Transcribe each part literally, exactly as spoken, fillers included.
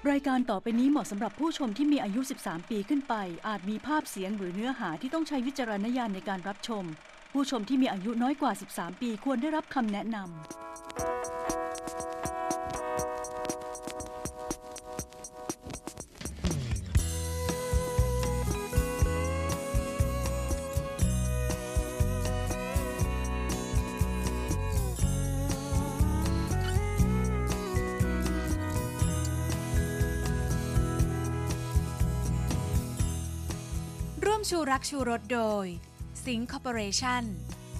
รายการต่อไปนี้เหมาะสำหรับผู้ชมที่มีอายุ สิบสาม ปีขึ้นไป อาจมีภาพเสียงหรือเนื้อหาที่ต้องใช้วิจารณญาณในการรับชม ผู้ชมที่มีอายุน้อยกว่า สิบสาม ปีควรได้รับคำแนะนำร่วมชูรักชูรสโดยสิงห์คอร์ปอเรชั่น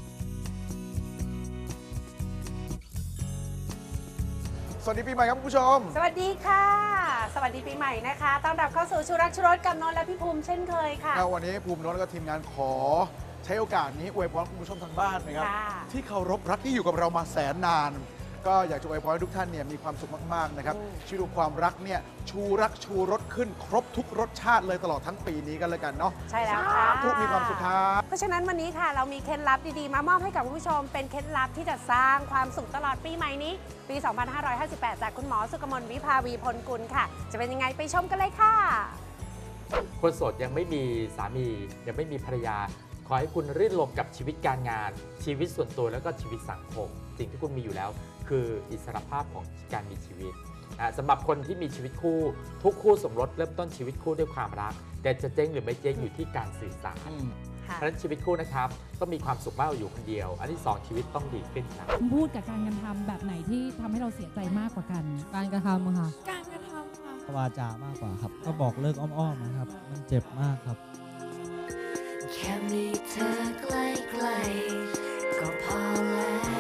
สวัสดีปีใหม่ครับคุณผู้ชมสวัสดีค่ะ สวัสดีปีใหม่นะคะต้อนรับเข้าสู่ชูรักชูรสกับนนท์และพี่ภูมิเช่นเคยค่ะแล้ววันนี้ภูมินนท์และก็ทีมงานขอใช้โอกาสนี้อวยพรคุณผู้ชมทางบ้านนะครับที่เคารพรักที่อยู่กับเรามาแสนนานก็อยากจะอวยพรให้ทุกท่านเนี่ยมีความสุขมากๆนะครับชีวิตความรักเนี่ยชูรักชูรสขึ้นครบทุกรสชาติเลยตลอดทั้งปีนี้กันเลยกันเนาะใช่แล้วค่ะทุกมีความสุขครับเพราะฉะนั้นวันนี้ค่ะเรามีเคล็ดลับดีๆมามอบให้กับคุณผู้ชมเป็นเคล็ดลับที่จะสร้างความสุขตลอดปีใหม่นี้ปี สองพันห้าร้อยห้าสิบแปด จากคุณหมอสุกมลวิภาวีพลกุลค่ะจะเป็นยังไงไปชมกันเลยค่ะคนโสดยังไม่มีสามียังไม่มีภรรยาขอให้คุณรื่นรมกับชีวิตการงานชีวิตส่วนตัวแล้วก็ชีวิตสังคมสิ่งที่คุณมีอยู่แล้วคืออิสรภาพของการมีชีวิตนะสำหรับคนที่มีชีวิตคู่ทุกคู่สมรสเริ่มต้นชีวิตคู่ด้วยความรักแต่จะเจ๊งหรือไม่เจ๊งอยู่ที่การสื่อสารเพราะฉะนั้นชีวิตคู่นะครับต้องมีความสุขมากกว่าอยู่คนเดียวอันที่สองชีวิตต้องดีขึ้นครับพูดกับการกระทำแบบไหนที่ทำให้เราเสียใจมากกว่ากันการกระทำค่ะการกระทำค่ะวาจามากกว่าครับก็บอกเลิกอ้อมๆนะครับมันเจ็บมากครับแค่มีเธอใกล้ๆก็พอแล้ว